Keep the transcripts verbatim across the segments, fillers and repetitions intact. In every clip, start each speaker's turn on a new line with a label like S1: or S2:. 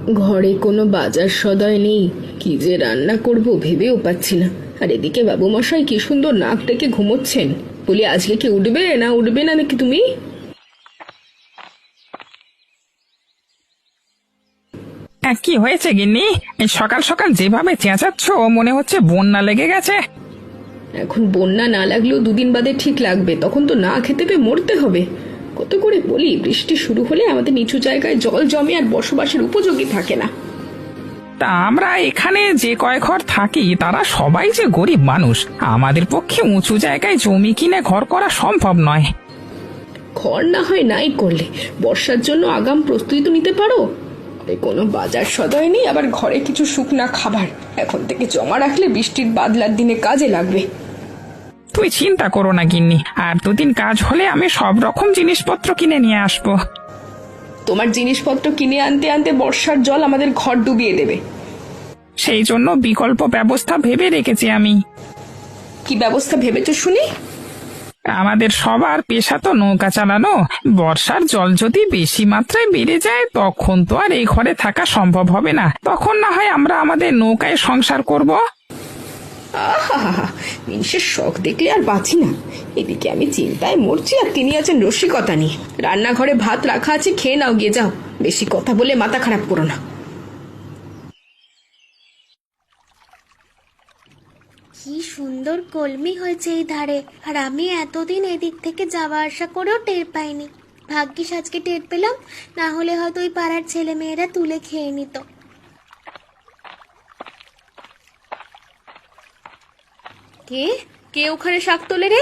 S1: ঘরে কোনো বাজার সদাই নেই, কি যে রান্না করব ভেবেও পাচ্ছি না। আর এদিকে বাবু মশাই কি সুন্দর নাক ডেকে ঘুমোচ্ছেন। বলি আজকে কি উঠবে না উঠবে না নাকি তুমি?
S2: হ্যাঁ, কি হয়েছে গিন্নি? এই সকাল সকাল যেভাবে চেঁচাচ্ছ মনে হচ্ছে বন্যা লেগে গেছে।
S1: এখন বন্যা না লাগলেও দুদিন বাদে ঠিক লাগবে, তখন তো না খেতে পেয়ে মরতে হবে। কত করে বলি, বৃষ্টি শুরু হলে আমাদের নিচু জায়গায় জল জমে আর বসবাসের উপযোগী থাকে না।
S2: তা আমরা এখানে যে কয় ঘর থাকি তারা সবাই যে গরিব মানুষ, আমাদের পক্ষে উঁচু জায়গায় জমি কিনে ঘর করা সম্ভব নয়।
S1: ঘর না হয় নাই করলে বর্ষার জন্য আগাম প্রস্তুতি তো নিতে পারো। ঘরে কোনো বাজার সদাই নেই, আবার ঘরে কিছু শুকনা খাবার এখন থেকে জমা রাখলে বৃষ্টির বাদলার দিনে কাজে লাগবে।
S2: তুই চিন্তা করো না গিন্নি, আর দুদিন কাজ হলে আমি সব রকম জিনিসপত্র কিনে নিয়ে আসবো।
S1: তোমার জিনিসপত্র কিনে আনতে আনতে বর্ষার জল আমাদের ঘর ডুবিয়ে দেবে।
S2: সেই জন্য বিকল্প ব্যবস্থা ভেবে রেখেছি আমি।
S1: কি ব্যবস্থা ভেবেছো শুনি?
S2: আমাদের সবার পেশা তো নৌকা চালানো। বর্ষার জল যদি বেশি মাত্রায় বেড়ে যায় তখন তো আর এই ঘরে থাকা সম্ভব হবে না, তখন না হয় আমরা আমাদের নৌকায় সংসার করব।
S1: আহা, জিনিসের শখ দেখলে আর বাঁচি না। এদিকে আমি চিন্তায় মরছি আর তিনি আছেন রসিকতা নিয়ে। রান্নাঘরে ভাত রাখা আছে, খেয়ে নাও, গিয়ে যাও। বেশি কথা বলে মাথা খারাপ করো না।
S3: কি সুন্দর কলমি হয়েছে এই ধারে, আর আমি এতদিন এদিক থেকে যাওয়া আসা করেও টের পাইনি। ভাগ্যিস আজকে টের পেলাম, না হলে হয়তো ওই পাড়ার ছেলে মেয়েরা তুলে খেয়ে নিত।
S1: কে কে ওখানে শাক তোলে রে?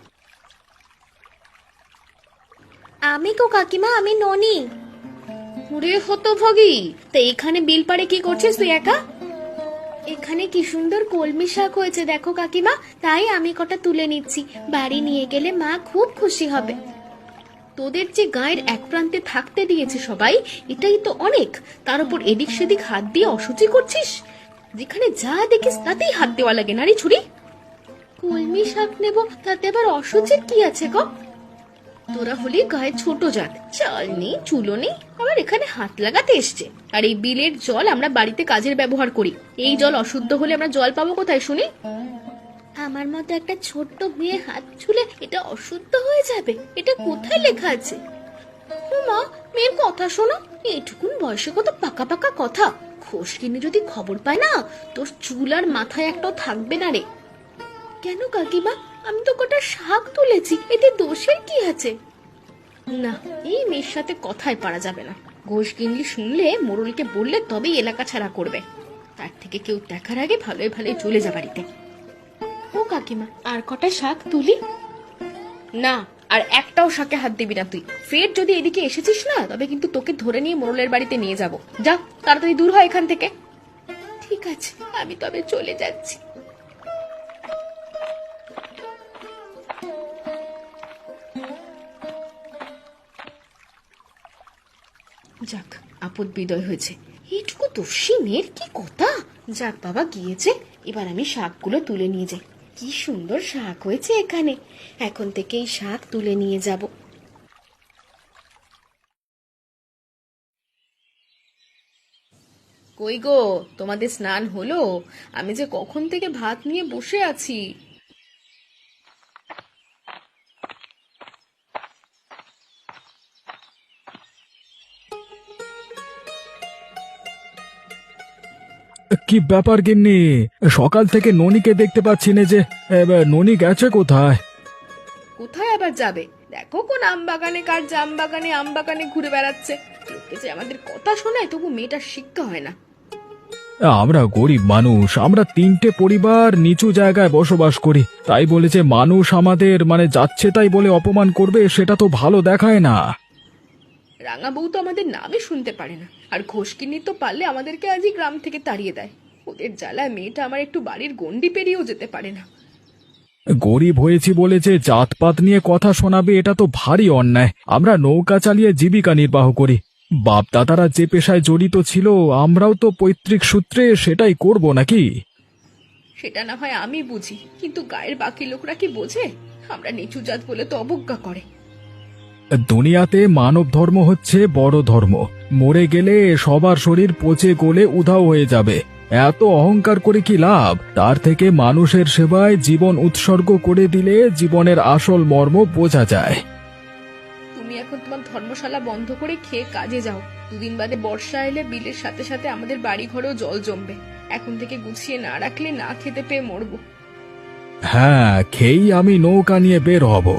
S3: আমি গো কাকিমা, আমি ননি।
S1: ওরে হতভাগী, তা এখানে বিল পাড়ে কি করছিস তুই একা?
S3: এখানে কি সুন্দর কলমি শাক হয়েছে দেখো কাকিমা, তাই আমি কটা তুলে নিচ্ছি। বাড়ি নিয়ে গেলে মা খুব খুশি হবে।
S1: তোদের যে গায়ের এক প্রান্তে থাকতে দিয়েছে সবাই, এটাই তো অনেক। তার উপর এদিক সেদিক হাত দিয়ে অসুচি করছিস। যেখানে যা দেখিস তাতেই হাত দেওয়া লাগে, নারী ছুরি।
S3: কলমি শাক নেব, তাতে আবার অসুচির কি আছে গো?
S1: তোরা হলি গায়ে ছোট জাত, চাল নেই চুলো নেই, আবার এখানে হাত লাগাতে এসছে। আর এই বিলের জল আমরা বাড়িতে কাজের ব্যবহার করি। এই জল অশুদ্ধ হলে আমরা জল পাবো কোথায় শুনি?
S3: আমার মতো একটা ছোট্ট মেয়ে হাত ছুলে এটা অশুদ্ধ হয়ে যাবে, এটা কোথায় লেখা আছে?
S1: মা, মেয়ের কথা শোনো। এইটুকুন বয়সে কত পাকা পাকা কথা। খোশকিনি যদি খবর পায় না, তোর চুল আর মাথায় একটাও থাকবে না রে।
S3: কেন কাকিমা, আমি তো কটা শাক তুলেছি, এতে দোষের কি আছে?
S1: না, এই মেয়ের সাথে কথায় পারা যাবে না। ঘোষ গিন্নি শুনলে, মোড়লকে বললে তবেই এলাকা ছাড়া করবে। তার থেকে কেউ দেখার আগে ভালোই ভালোই চলে যা বাড়িতে।
S3: ও কাকিমা, আর কটা শাক তুলি?
S1: না, আর একটাও শাকে হাত দিবি না তুই। ফের যদি এদিকে এসেছিস না, তবে কিন্তু তোকে ধরে নিয়ে মোড়লের বাড়িতে নিয়ে যাব। যা, তাড়াতাড়ি দূর হয় এখান থেকে।
S3: ঠিক আছে, আমি তবে চলে যাচ্ছি।
S1: যাক, আপদ বিদয় হয়েছে। এইটুকু দোষী মেয়ের কি কথা। যাক বাবা, গিয়েছে। এবার আমি শাকগুলো তুলে নিয়ে যাই। কি সুন্দর শাক হয়েছে এখানে। এখন থেকে এই শাক তুলে নিয়ে যাব। কই গো, তোমাদের স্নান হলো? আমি যে কখন থেকে ভাত নিয়ে বসে আছি।
S4: কি ব্যাপার গিন্নি, সকাল থেকে ননিকে দেখতে পাচ্ছি না যে। এ, ননি গেছে কোথায়?
S1: কোথায় আবার যাবে? দেখো কোন আম বাগানে কার জাম বাগানে আম বাগানে ঘুরে বেড়াচ্ছে। লোকে যে আমাদের কথা শোনায়, তবু মেয়েটার শিক্ষা হয় না।
S4: আমরা গরিব মানুষ, আমরা তিনটে পরিবার নিচু জায়গায় বসবাস করি, তাই বলে যে মানুষ আমাদের মানে যাচ্ছে তাই বলে অপমান করবে, সেটা তো ভালো দেখায় না।
S1: রাঙা বউ তো আমাদের নামই শুনতে পারে না, আর ঘোষকিনি তো পারলে আমাদেরকে আজই গ্রাম থেকে তাড়িয়ে দেয়। ওদের জ্বালায় মেয়েটা আমার একটু বাড়ির গন্ডি পেরিয়েও যেতে পারে না।
S4: গরিব হয়েছি বলে যে জাতপাত নিয়ে কথা শোনাবে, এটা তো ভারী অন্যায়। আমরা নৌকা চালিয়ে জীবিকা নির্বাহ করি। বাপ দাদারা যে পেশায় জড়িত ছিল, আমরাও তো পৈতৃক সূত্রে সেটাই করব নাকি?
S1: সেটা না হয় আমি বুঝি, কিন্তু গায়ের বাকি লোকরা কি বোঝে? আমরা নিচু জাত বলে তো অবজ্ঞা করে।
S4: দুনিয়াতে মানব ধর্ম হচ্ছে বড় ধর্ম, মরে গেলে সবার শরীর পচে গলে উধাও হয়ে যাবে। এত অহংকার করে কি লাভ? তার থেকে মানুষের সেবায় জীবন উৎসর্গ করে দিলে জীবনের আসল মর্ম বোঝা যায়।
S1: তুমি এখন তোমার ধর্মশালা বন্ধ করে খেয়ে কাজে যাও। দুদিন বাদে বর্ষা এলে বিলের সাথে সাথে আমাদের বাড়ি ঘরেও জল জমবে। এখন থেকে গুছিয়ে না রাখলে না খেতে পেয়ে মরবো।
S4: হ্যাঁ, খেয়েই আমি নৌকা নিয়ে বের হব।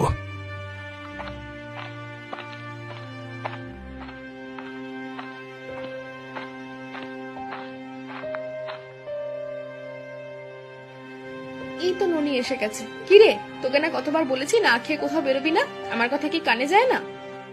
S1: এই তো ননি এসে গেছে। কিরে, তোকে না কতবার বলেছি না খেয়ে কোথাও বেরোবি না? আমার কথা কি কানে যায় না?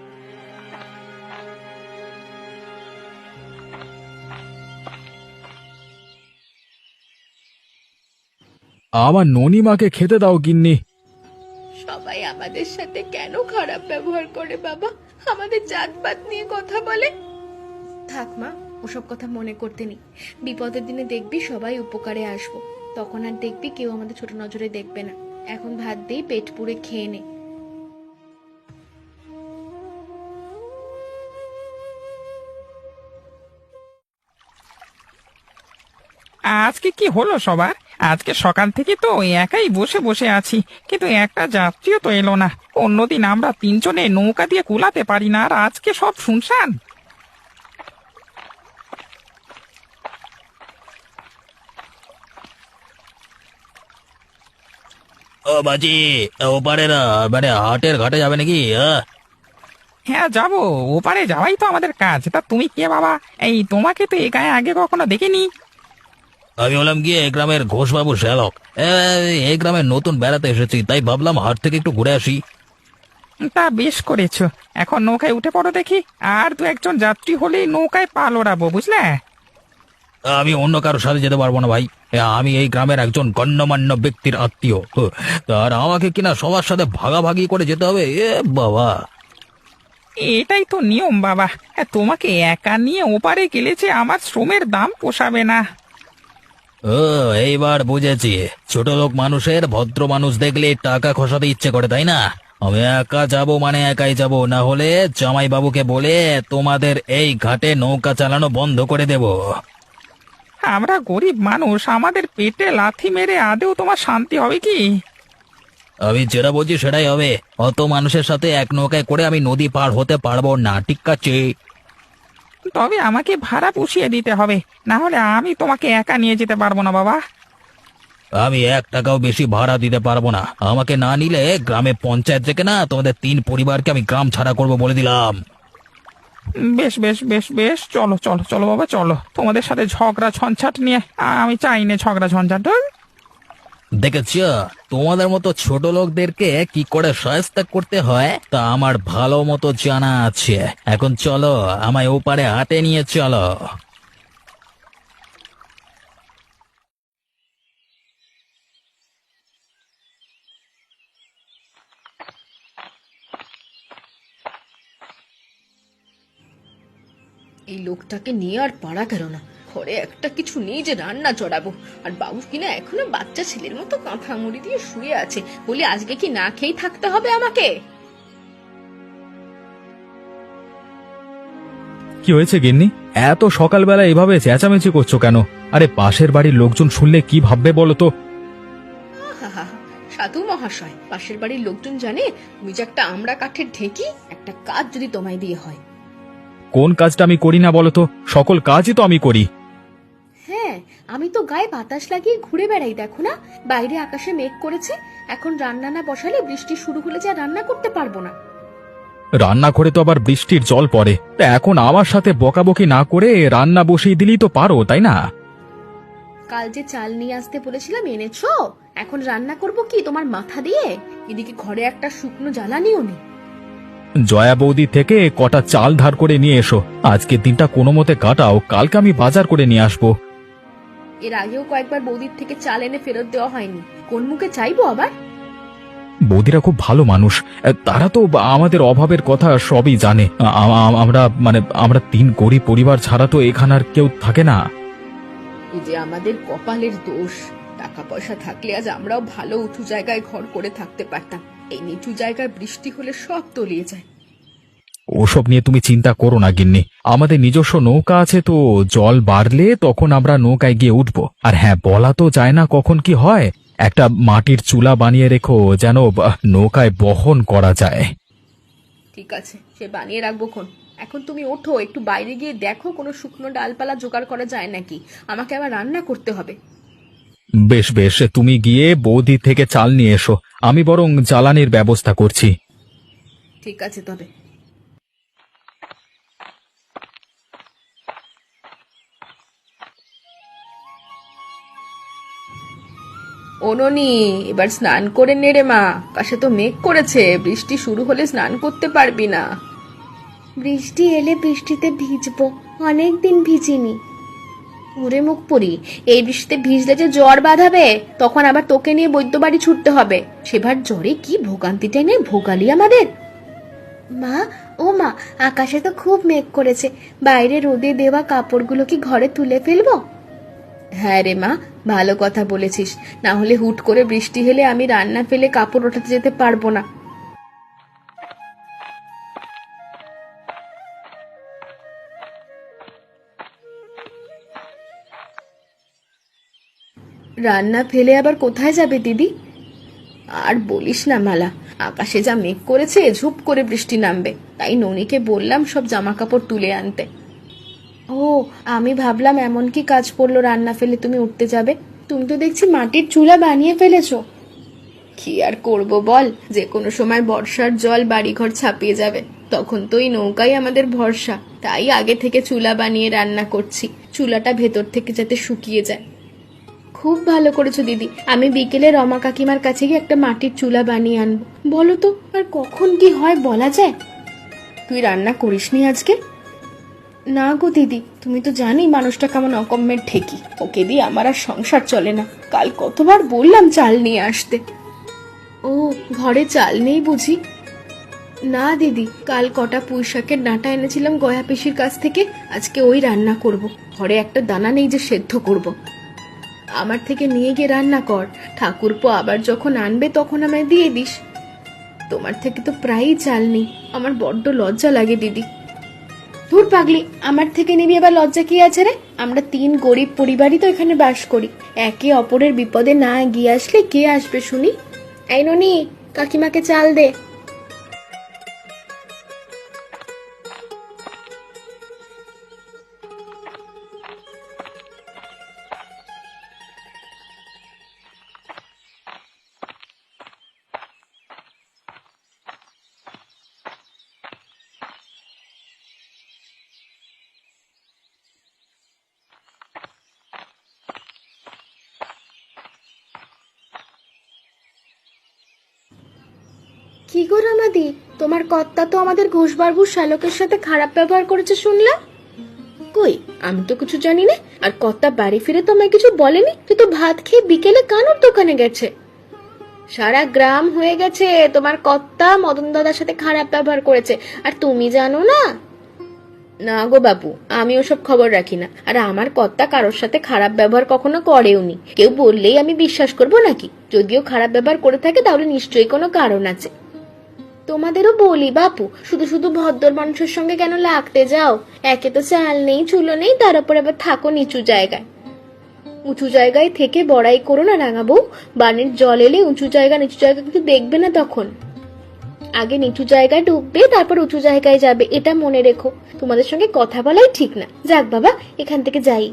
S4: আমার ননিমাকে খেতে দাও গিন্নি।
S1: সবাই আমাদের সাথে কেন খারাপ ব্যবহার করে বাবা? আমাদের জাতপাত নিয়ে কথা বলে। থাক মা, ওসব কথা মনে করতে নেই। বিপদের দিনে দেখবি সবাই উপকারে আসবো, তখন আর দেখবি কেউ আমাদের ছোট নজরে দেখবে না। এখন ভাত দিয়ে পেট পুড়ে খেয়ে নে।
S2: আজকে কি হলো সবার? আজকে সকাল থেকে তো ওই একাই বসে বসে আছি, কিন্তু একটা যাত্রীও তো এলো না। অন্যদিন আমরা তিনজনে নৌকা দিয়ে কুলাতে পারি না, আর আজকে সব শুনশান।
S5: ও বাজি, ওপারে না মানে হাটের ঘাটে যাবে নাকি? আহ?
S2: হ্যাঁ যাবো, ওপারে যাওয়াই তো আমাদের কাজ। তা তুমি কে বাবা? এই তোমাকে তো এই গায়ে আগে কখনো দেখিনি।
S5: আমি হলাম গিয়ে এই গ্রামের ঘোষবাবু শ্যালক। এ, এই গ্রামে নতুন বেড়াতে এসেছি, তাই ভাবলাম হাট থেকে একটু ঘুরে আসি।
S2: তা বেশ করেছো, এখন নৌকায় উঠে পড়ো দেখি। আর দু একজন যাত্রী হলেই নৌকায় পাল ওড়াবো, বুঝলে?
S5: আমি অন্য কারোর সাথে যেতে পারবো না ভাই। এ, আমি এই গ্রামের একজন গণ্যমান্য ব্যক্তির আত্মীয়, হুঁ, আর আমাকে কিনা সবার সাথে ভাগাভাগি করে যেতে হবে। এ বাবা,
S2: এটাই তো নিয়ম বাবা। হ্যাঁ, তোমাকে একা নিয়ে ওপারে গেলে যে আমার শ্রমের দাম পোষাবে না।
S5: ও এইবার বুঝেছি, ছোট লোক মানুষের ভদ্র মানুষ দেখলে টাকা খসাতে ইচ্ছে করে, তাই না? আমি একা যাব মানে একাই যাব, না হলে জামাই বাবুকে বলে তোমাদের এই ঘাটে নৌকা চালানো বন্ধ করে দেব।
S2: আমরা গরিব মানুষ, আমাদের পেটে লাথি মেরে আদেও তোমার শান্তি হবে কি?
S5: আমি যেটা বলছি সেটাই হবে। অত মানুষের সাথে এক নৌকায় করে আমি নদী পার হতে পারবো না, ঠিক আছে?
S2: তবে আমাকে ভাড়া পুষিয়ে দিতে হবে, না হলে আমি তোমাকে একা নিয়ে যেতে পারবো না বাবা।
S5: আমি এক টাকাও বেশি ভাড়া দিতে পারবো না। আমাকে না নিলে গ্রামে পঞ্চায়েত থেকে না তোমাদের তিন পরিবারকে আমি গ্রাম ছাড়া করব বলে দিলাম।
S2: বেশ বেশ বেশ বেশ, চলো চলো চলো বাবা চলো। তোমাদের সাথে ঝগড়া ঝঞ্ঝাট নিয়ে আমি চাই না ঝগড়া ঝঞ্ঝাট।
S5: দেখেছ, তোমাদের মতো ছোট লোকদেরকে কি করে সহায়তা করতে হয় তা আমার ভালো মতো জানা আছে। এখন চলো, আমায় ওপারে হাটে নিয়ে চলো।
S1: এই লোকটাকে নিয়ে আর পারা গেল না। ঘরে একটা কিছু নেই যে রান্না চড়াবো, আর বাবু কিনা এখনো বাচ্চা ছেলের মতো কাঁথা মুড়ি দিয়ে শুয়ে আছে। বলি আজকে কি না খেয়েই থাকতে হবে আমাকে?
S4: কি হয়েছে গিন্নি? এত সকালবেলা এভাবে চেঁচামেচি করছো কেন? আরে পাশের বাড়ির লোকজন শুনলে কি ভাববে বলো তো?
S1: আহাহা, সাধু মহাশয়, পাশের বাড়ির লোকজন জানে তুমি যে একটা আমড়া কাঠের ঢেকি। একটা কাজ যদি তোমায় দিয়ে হয়।
S4: কোন কাজটা আমি করি না বলো তো? সকল কাজই তো আমি করি।
S1: হ্যাঁ, আমি তো গায়ে বাতাস লাগিয়ে ঘুরে বেড়াই, দেখো না? বাইরে আকাশে মেঘ করেছে, এখন রান্না না বসালে বৃষ্টি শুরু হলে যা রান্না করতে পারবো না।
S4: রান্না করে তো আবার বৃষ্টির জল পড়ে, তা এখন আমার সাথে বকাবকি না করে রান্না বসিয়ে দিলেই তো পারো, তাই না?
S1: কাল যে চাল নিয়ে আসতে বলেছিলাম এনেছো? এখন রান্না করব কি তোমার মাথা দিয়ে? এদিকে ঘরে একটা শুকনো জ্বালানিও নেই।
S4: জয়া বৌদি থেকে কটা চাল ধার করে নিয়ে এসো, আজকের দিনটা কোনো মতে কাটাও, কালকে আমি বাজার করে নিয়ে আসবো।
S1: এর আগেও কয়েকবার বৌদির থেকে চাল এনে ফেরত দেওয়া হয়নি, কোন মুখে চাইবো আবার?
S4: বৌদিরা খুব ভালো মানুষ, তারা তো আমাদের অভাবের কথা সবই জানে। আ- আ- আমরা মানে আমরা তিন গরিব পরিবার ছাড়া তো এখানে আর কেউ থাকে না।
S1: এই যে আমাদের কপালের দোষ। টাকা পয়সা থাকলে আজ আমরাও ভালো উঁচু জায়গায় ঘর করে থাকতে পারতাম। এই নিচু জায়গায় বৃষ্টি হলে সব তলিয়ে যায়।
S4: ওসব নিয়ে তুমি চিন্তা করো না গিন্নি, আমাদের নিজস্ব নৌকা আছে তো, জল বাড়লে তখন আমরা নৌকায় গিয়ে উঠবো। আর হ্যাঁ, বলা তো যায় না কখন কি হয়, একটা মাটির চুলা বানিয়ে রেখো যেন আহ, নৌকায় বহন করা যায়।
S1: ঠিক আছে, সে বানিয়ে রাখবো খন। এখন তুমি ওঠো, একটু বাইরে গিয়ে দেখো কোনো শুকনো ডালপালা জোগাড় করা যায় নাকি, আমাকে আবার রান্না করতে হবে।
S4: বেশ বেশ, তুমি গিয়ে বৌদি থেকে চাল নিয়ে এসো, আমি বরং জ্বালানির ব্যবস্থা করছি।
S1: ঠিক আছে তবে। ও ননি, এবার স্নান করে নে রে মা, পাশে তো মেঘ করেছে, বৃষ্টি শুরু হলে স্নান করতে পারবি না।
S3: বৃষ্টি এলে বৃষ্টিতে ভিজবো, অনেক দিন ভিজিনি।
S1: ওরে মুখ পড়ি, এই বৃষ্টিতে ভিজলে যে জ্বর বাঁধাবে, তখন আবার তোকে নিয়ে বৈদ্য বাড়ি ছুটতে হবে। সেবার জ্বরে কি ভোগান্তি টেনে ভোগালি আমাদের।
S3: মা, ও মা, আকাশে তো খুব মেঘ করেছে, বাইরে রোদে দেওয়া কাপড়গুলো কি ঘরে তুলে ফেলবো?
S1: হ্যাঁ রে মা, ভালো কথা বলেছিস, না হলে হুট করে বৃষ্টি হলে আমি রান্না ফেলে কাপড় ওঠাতে যেতে পারবো না। রান্না ফেলে আবার কোথায় যাবে দিদি? আর বলিস না মালা, আকাশে যা মেঘ করেছে, ঝুপ করে বৃষ্টি নামবে, তাই ননিকে বললাম সব জামা কাপড় তুলে আনতে।
S3: ও, আমি ভাবলাম এমন কি কাজ পড়লো রান্না ফেলে তুমি উঠতে যাবে। তুমি তো দেখছি মাটির চুলা বানিয়ে ফেলেছো।
S1: কি আর করব বল, যে কোনো সময় বর্ষার জল বাড়িঘর ছাপিয়ে যাবে, তখন তো এই নৌকাই আমাদের ভরসা। তাই আগে থেকে চুলা বানিয়ে রান্না করছি, চুলাটা ভেতর থেকে যাতে শুকিয়ে যায়।
S3: খুব ভালো করেছো দিদি, আমি বিকেলে রমা কাকিমার কাছে গিয়ে একটা মাটির চুলা বানিয়ে আনবো। বলো তো, আর কখন কি হয় বলা যায়?
S1: তুই রান্না করিসনি আজকে?
S3: না গো দিদি, তুমি তো জানি মানুষটা কেমন অকম্মের ঠেকি,
S1: ওকে দিয়ে আমার আর সংসার চলে না। কাল কতবার বললাম চাল নিয়ে আসতে।
S3: ও, ঘরে চাল নেই বুঝি? না দিদি, কাল কটা পুঁই শাকের ডাঁটা এনেছিলাম গয়া পিসির কাছ থেকে, আজকে ওই রান্না করব। ঘরে একটা দানা নেই যে সেদ্ধ করব। আমার থেকে নিয়ে গিয়ে রান্না কর, ঠাকুরপো আবার যখন আনবে তখন আমায় দিয়ে দিস। তোমার থেকে তো প্রায়ই চাল নেই, আমার বড্ড লজ্জা লাগে দিদি। ধুর পাগলি, আমার থেকে নিবি আবার লজ্জা কি আছে রে? আমরা তিন গরিব পরিবারই তো এখানে বাস করি, একে অপরের বিপদে না গিয়ে আসলে কে আসবে শুনি? এই ননি, কাকিমাকে চাল দে। কি গো রামাদি, তোমার কর্তা তো আমাদের ঘোষবাবুর শ্যালকের সাথে খারাপ ব্যবহার করেছে শুনলাম।
S1: কই, আমি তো কিছু জানি না। আর কর্তা বাড়ি ফিরে তো আমায় কিছু বলেনি, তুই তো ভাত খেয়ে বিকেলে কানুর দোকানে গেছে। সারা গ্রাম হয়ে গেছে তোমার কর্তা মদন দাদার সাথে খারাপ ব্যবহার করেছে, আর তুমি জানো না? না গো বাবু, আমি ওসব খবর রাখি না, আর আমার কর্তা কারোর সাথে খারাপ ব্যবহার কখনো করেওনি। কেউ বললেই আমি বিশ্বাস করবো নাকি? যদিও খারাপ ব্যবহার করে থাকে তাহলে নিশ্চয়ই কোনো কারণ আছে। তোমাদেরও বলি বাপু, শুধু শুধু ভদ্র মানুষের সঙ্গে কেন লাগতে যাও? একে তো চাল নেই, চুলো নেই, তার উপর আবার থাকো নিচু জায়গায়। উঁচু জায়গায় থেকে বড়াই করো না রাঙা বউ, বানের জল এলে উঁচু জায়গা নিচু জায়গা কিন্তু দেখবে না, তখন আগে নিচু জায়গায় ডুববে তারপর উঁচু জায়গায় যাবে, এটা মনে রেখো। তোমাদের সঙ্গে কথা বলাই ঠিক না। যাক বাবা, এখান থেকে যাই।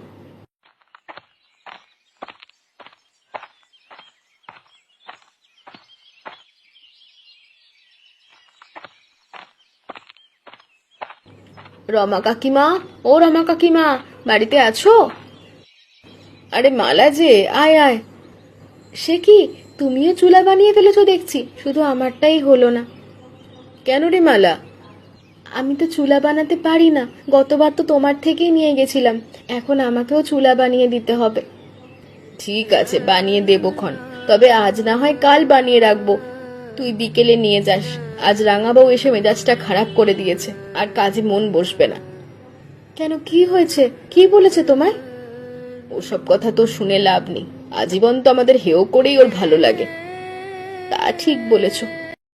S1: রমা কাকিমা, ও রমা কাকিমা, বাড়িতে আছো? আরে মালা যে, আয় আয়। সে কি, তুমিও চুলা বানিয়ে ফেলেছো দেখছি, শুধু আমারটাই হলো না। কেন রে মালা? আমি তো চুলা বানাতে পারি না, গতবার তো তোমার থেকেই নিয়ে গেছিলাম, এখন আমাকেও চুলা বানিয়ে দিতে হবে। ঠিক আছে, বানিয়ে দেবো খন, তবে আজ না হয় কাল বানিয়ে রাখবো। তুই বিকেলে নিয়ে যাস, আজ রাঙাবাবু এসে মেজাজটা খারাপ করে দিয়েছে, আর কাজে মন বসবে না। কেন, কি হয়েছে? কি বলেছে তোমায়? ওসব কথা তো শুনে লাভ নেই, আজীবন তো আমাদের হেও করেই ওর ভালো লাগে। তা ঠিক বলেছো,